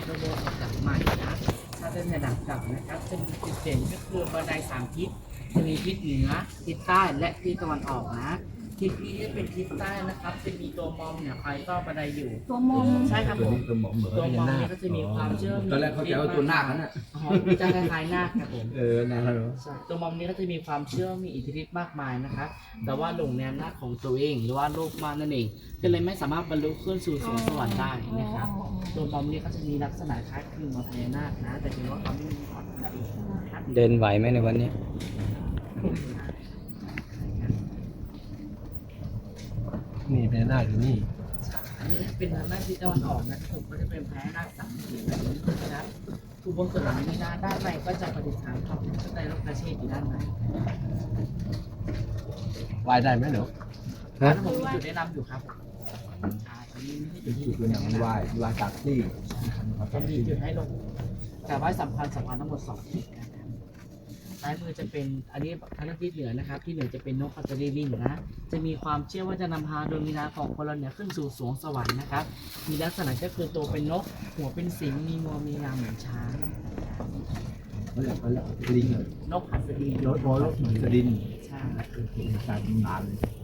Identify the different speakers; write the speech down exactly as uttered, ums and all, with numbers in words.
Speaker 1: ระโบสถหลังใหม่นะถ้าเป็นในหลังเก่านะครับจะมีจุดเด่นก็คือบันไดสามทิศจะมีทิศเหนือทิศใต้และทิศตะวันออกนะทิศนี้จะเป็นทิศใต้นะครับจะมีตัวมอมเนี่ยคอยต้อนบันไดอยู่
Speaker 2: ตัวมง
Speaker 1: ใช่ครับ
Speaker 3: ตัว
Speaker 1: ผม
Speaker 3: นี้ตัวหมอเหมือน
Speaker 1: ตัว
Speaker 3: พ
Speaker 1: ม
Speaker 3: ญา
Speaker 1: อม
Speaker 3: นา
Speaker 1: เนี่
Speaker 3: ค
Speaker 1: ยก็จะมีความเชื่อม
Speaker 3: ตอนแรกเขาจะเอาตัวนาคนั่นน่ะ
Speaker 1: อ๋อจะคล้ายๆนาคครับผม
Speaker 3: เออนาคแล้ว
Speaker 1: ใช่ตัวมอมนี้ก็จะมีความเชื่อมีอิทธิฤทธิ์มากมายนะครับแต่ว่าหลงในอำนาจของตัวเองหรือว่าโลกมากนั่นเองก็เลยไม่สามารถบรรลุขึ้นสู่สวงสวรรค์ได้นะครับตัวมอมนี้ก็จะมีลักษณะคล้ายคลึงกับพญานาคนะแต่เพียงว่าเขาไม่มีขอนนั่นเองนะครับ
Speaker 4: เดินไหวไหมในวันนี้
Speaker 3: นี่พญานาคอยู่นี่
Speaker 1: อันนี้เป็นทางด้านทิศตะวันออกนะครับผมก็จะเป็นพญานาคสามสีแบบนี้นะครับทุกบนส่วนหลังนี้นะด้านในก็จะประดิษฐานพระพุทธไตรโลกเชษฐ์อยู่ด้านใน
Speaker 3: ไหวได้ไหมหนู
Speaker 4: ฮะ
Speaker 1: แล้วผมมีจุดแนะนำอยู่ครับอ่าตอนนี้ไม่ใช่จุดที่
Speaker 3: คืออย่างไหวไหวจากที่
Speaker 1: จะมีจุดให้ลงกราบไหว้สำคัญสำคัญทั้งหมดสองจุดนะครับซ้ายมือจะเป็นอันนี้ทางด้านทิศเหนือนะครับที่เหนือจะเป็นนกพัตรีวิ่งนะจะมีความเชื่อว่าจะนำพาดวงวิญญาณของคนเราเนี่ยขึ้นสู่สวงสวรรค์นะครับมีลักษณะก็คือตัวเป็นนกหัวเป็นสิงห์มีงวงมีงามเหมือนช้าง
Speaker 3: เขาเรียกเขาเรียกลิง
Speaker 1: นกหัสดี
Speaker 3: รถบอลรถสดิน
Speaker 1: ใช่
Speaker 3: คือตามตำนานเลย